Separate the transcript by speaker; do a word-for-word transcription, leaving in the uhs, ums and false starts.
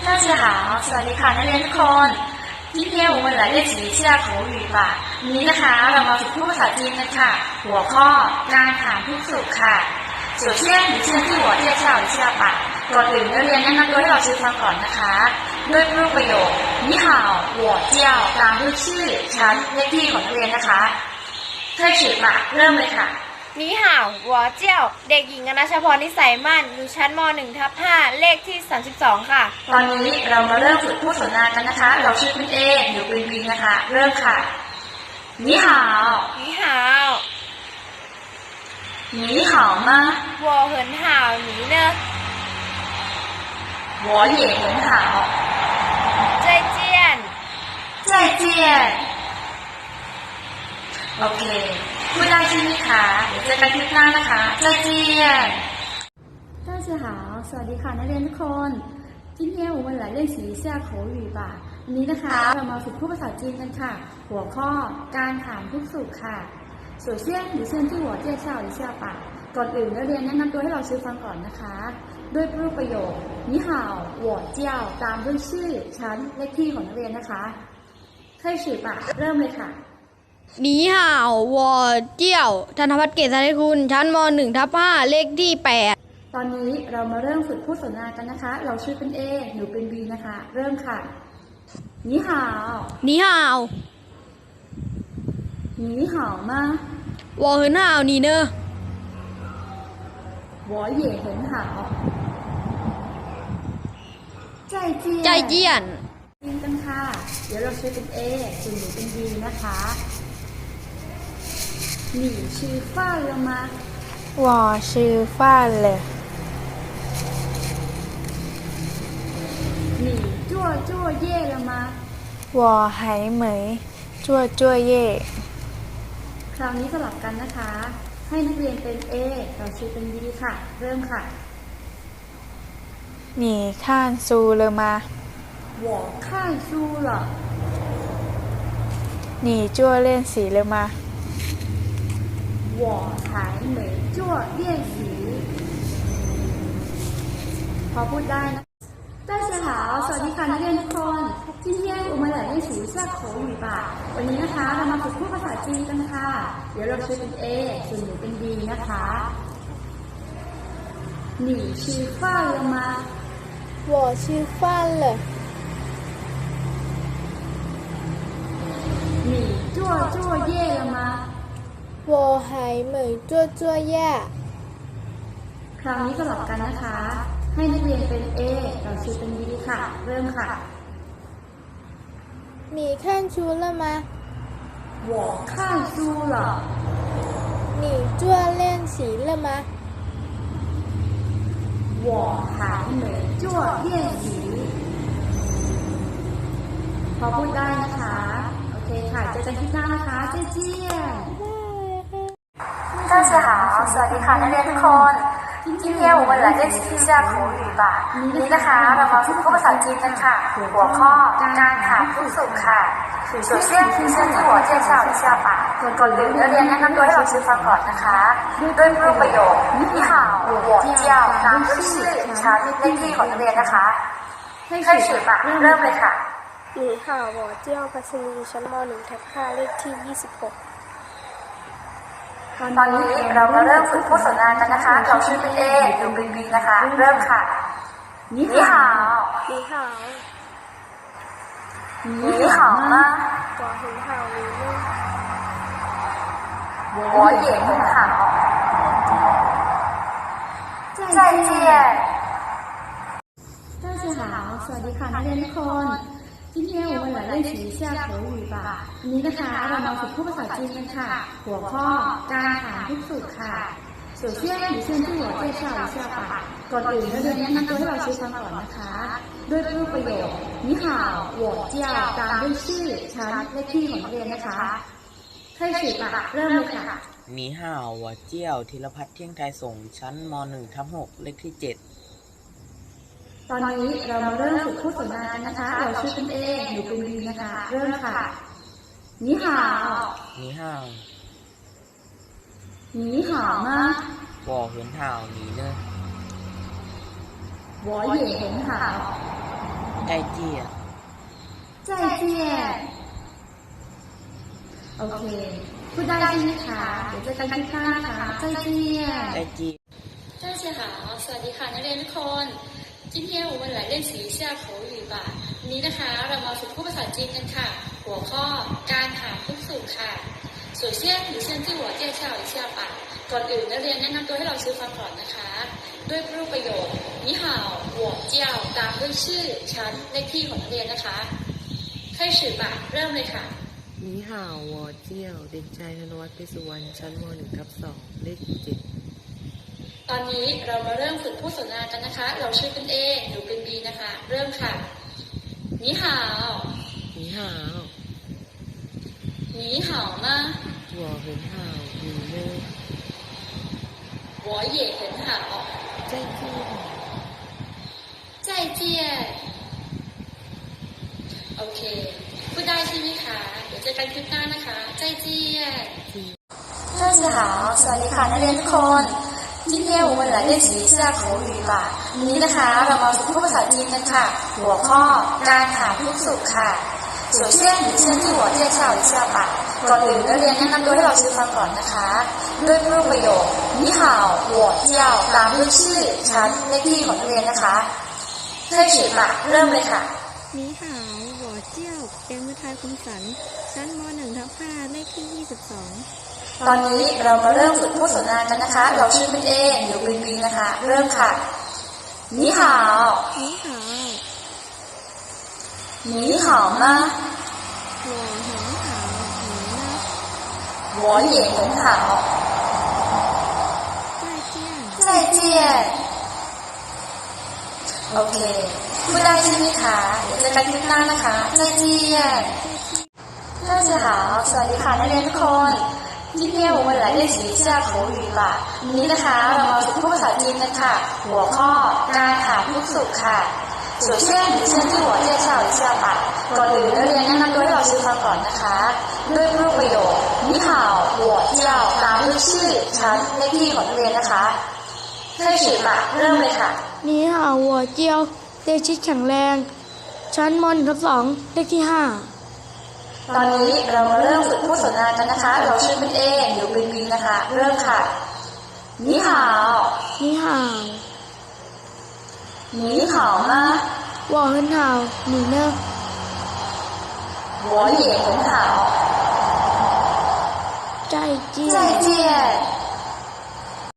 Speaker 1: 大家好，สวัสดีค่ะนักเรียนทุกคน今天我们来练习一下口语吧วันนี้นะคะเรามาฝึกพูดภาษาจีนกันค่ะหัวข้อการถามทุกสุขค่ะ首先你先替我介绍一下吧ก่อนอื่นนักเรียนแนะนำตัวให้เราชื่อฟังก่อนนะคะด้วยรูปประโยค你好我叫ตามด้วยชื่อชั้นเลขที่ของนักเรียนนะคะ开始吧เริ่มเลยค่ะ
Speaker 2: นี่ห่าวหัวเจี้ยวเด็กหญิงอนัชพรนิสัยมั่นอยู่ชั้นม หนึ่ง ทับ ห้า เลขที่ สามสิบสอง ค่ะ
Speaker 1: ตอนนี้เรามาเริ่มฝึกพูดสนทนากันนะคะเราชื่อคุณเอหรือคุณบีนะคะเริ่มค่ะ你好
Speaker 2: นี่ห่าว
Speaker 1: 你好吗
Speaker 2: 我很好你呢
Speaker 1: 我也很好
Speaker 2: 再见
Speaker 1: 再见โอเคพูดได้ใช่ไหมคะเดี๋ยวเจอกันคลิปหน้านะคะ再见大家好สวัสดีค่ะนักเรียนทุกคน今天我们来练习一下口语吧วันนี้นะคะเรามาฝึกพูดภาษาจีนกันค่ะหัวข้อการถามทุกสุขค่ะ首先你先替我介绍一下吧ก่อนอื่นนักเรียนแนะนำตัวให้เราชื่อฟังก่อนนะคะด้วยรูปประโยค你好我叫ตามด้วยชื่อชั้นเลขที่ของนักเรียนนะคะ开始吧เริ่มเลยค่ะ
Speaker 3: นี่ห่าววอเจี้ยวธนพัฒน์เกษริคุณชั้นม หนึ่ง ทับ ห้า เลขที่ แปด
Speaker 1: ตอนนี้เรามาเริ่มฝึกพูดสนทนากันนะคะเราชื่อเป็น A หนูเป็น B นะคะเริ่มค่ะ你好
Speaker 3: นี่ห่าว
Speaker 1: 你好吗
Speaker 3: วอเหินห่าวนี่เนอะ
Speaker 1: 我也很好ใจเจียน
Speaker 3: ใจเจียน
Speaker 1: ยินกันค่ะเดี๋ยวเราชื่อเป็น A ส่วนหนูเป็น B นะคะ你吃饭了吗
Speaker 4: 我吃饭了
Speaker 1: 你做作业了吗
Speaker 4: 我还没做作业
Speaker 1: คราวนี้สลับกันนะคะให้นักเรียนเป็น A เราชื่อเป็น B ค่ะเริ่มค่ะ
Speaker 4: 你看书了吗
Speaker 1: 我看书了
Speaker 4: 你做练习了吗
Speaker 1: 我还没做练习พอพูดได้นะ大家好สวัสดีค่ะนักเรียนทุกคน今天我们来练习一下口语吧วันนี้นะคะเรามาฝึกพูดภาษาจีนกันค่ะเดี๋ยวเราชื่อเป็น A ส่วนหนูเป็น B นะคะ你吃饭了吗
Speaker 4: 我吃饭了
Speaker 1: 你做作业了吗
Speaker 4: 我还没做作业
Speaker 1: คราวนี้สลับกันนะคะให้นักเรียนเป็น A เราชื่อเป็น B ค่ะเริ่มค่ะ
Speaker 4: 你看书了吗
Speaker 1: 我看书了
Speaker 4: 你做练习了吗
Speaker 1: 我还没做练习พอพูดได้นะคะโอเคค่ะเจอกันที่หน้านะคะ再见大家好สวัสดีค่ะนักเรียนทุกคน今天我们来练习一下口语吧วันนี้นะคะเรามาฝึกพูดภาษาจีนกันค่ะหัวข้อการถามทุกสุขค่ะ首先你先替我介绍一下吧ก่อนอื่นนักเรียนแนะนำตัวให้เราชื่อฟังก่อนนะคะด้วยรูปประโยค你好我叫ตามด้วยชื่อชั้นเลขที่ของนักเรียนนะคะ开始吧เริ่มเลยค่ะ
Speaker 4: 你好我叫พัชรีชั้นม หนึ่ง ทับ ห้า เลขที่ ยี่สิบหก
Speaker 1: ตอนนี้เรามาเริ่มฝึกพูดสนทนากันนะคะเราชื่อเป็น A หรือเป็น B นะคะเริ่มค่ะ你好
Speaker 4: 你好
Speaker 1: 你好吗
Speaker 4: 我很好你呢
Speaker 1: 我也很好再见大家好สวัสดีค่ะนักเรียนทุกคน今天我们来练习一下口语吧วันนี้นะคะเรามาฝึกพูดภาษาจีนกันค่ะหัวข้อการถามทุกสุขค่ะ首先你先替我介绍一下吧ก่อนอื่นนักเรียนแนะนำตัวให้เราชื่อฟังก่อนนะคะด้วยรูปประโยค你好我叫ตามด้วยชื่อชั้นเลขที่ของนักเรียนนะคะ开始吧เริ่มเลยค่ะ
Speaker 5: นี่ห่าววอเจี้ยวธีรพัฒน์เที่ยงไทยส่งชั้นม หนึ่ง ทับ หก เลขที่ เจ็ด
Speaker 1: ตอนนี้เรามาเริ่มฝึกพูดสนทนากันนะคะเราชื่อเป็น A หนูเป็น B นะคะเริ่มค่ะ你好
Speaker 5: นี่ห่าว
Speaker 1: 你好吗
Speaker 5: วอเหินห่าวนี่เนอะ
Speaker 1: 我也很好
Speaker 5: ใจเจียน
Speaker 1: 再见โอเคพูดได้ใช่ไหมคะเดี๋ยวเจอกันคลิปหน้านะคะ再见
Speaker 5: ใจเจียน
Speaker 1: 大家好สวัสดีค่ะนักเรียนทุกคน今天我们来练习一下口语吧วันนี้นะคะเรามาฝึกพูดภาษาจีนกันค่ะหัวข้อการถามทุกสุขค่ะ首先你先自我介绍一下吧ก่อนอื่นนักเรียนแนะนำตัวให้เราชื่อฟังก่อนนะคะด้วยรูปประโยค你好我叫ตามด้วยชื่อชั้นเลขที่ของนักเรียนนะคะ开始吧เริ่มเลยค่ะ
Speaker 6: 你好我เจียวเด็กชายธนวัฒน์เพชรสุวรรณชั้นม หนึ่งทับสองเลขเจ็ด
Speaker 1: ตอนนี้เรามาเริ่มฝึกพูดสนทนากันนะคะ เราชื่อเป็น A หนูเป็น B นะคะ เริ่มค่ะ你好
Speaker 6: 你好
Speaker 1: 你好吗
Speaker 6: 我很好你呢
Speaker 1: 我也很好
Speaker 6: 再见
Speaker 1: 再见โอเคพูดได้ใช่ไหมคะเดี๋ยวเจอกันคลิปหน้านะคะ再见大家好สวัสดีค่ะนักเรียนทุกคน今天我们来练习一下口语吧วันนี้นะคะเรามาฝึกพูดภาษาจีนกันค่ะหัวข้อการถามทุกสุขค่ะ首先你先自我介绍一下吧ก่อนอื่นนักเรียนแนะนำตัวให้เราชื่อฟังก่อนนะคะด้วยรูปประโยค你好我叫ตามด้วยชื่อชั้นเลขที่ของนักเรียนนะคะ开始吧เริ่มเลยค่ะ
Speaker 7: 你好我叫เอ็มฤทัยคมสันชั้นม หนึ่งทับห้าเลขที่ยี่สิบสอง
Speaker 1: ตอนนี้เรามาเริ่มฝึกพูดสนทนากันนะคะเราชื่อเป็น A หรือเป็น B นะคะเริ่มค่ะ你好
Speaker 7: 你好
Speaker 1: 你好吗
Speaker 7: 我很好你呢
Speaker 1: 我也很好
Speaker 7: 再见
Speaker 1: 再见โอเคพูดได้ใช่ไหมคะเดี๋ยวเจอกันคลิปหน้านะคะ再见大家好สวัสดีค่ะนักเรียนทุกคน今天我们来练习一下口语吧วันนี้นะคะเรามาฝึกพูดภาษาจีนกันค่ะหัวข้อการถามทุกสุขค่ะ首先你先自我介绍一下吧ก่อนอื่นนักเรียนแนะนำตัวให้เราชื่อฟังก่อนนะคะด้วยรูปประโยค你好我叫ตามด้วยชื่อชั้นเลขที่ของนักเรียนนะคะ开始吧เริ่มเลยค่ะ
Speaker 3: 你好我เจียวเด็กชิดแข็งแรงชั้นม หนึ่งทับสองเลขที่ห้า
Speaker 1: ตอนนี้เรามาเริ่มฝึกพูดสนทนากันนะคะเราชื่อเป็น A หรือเป็น B นะคะเริ่มค่ะ你好
Speaker 3: 你好
Speaker 1: 你好吗
Speaker 3: 我很好你呢
Speaker 1: 我也很好
Speaker 3: 再见
Speaker 1: 再见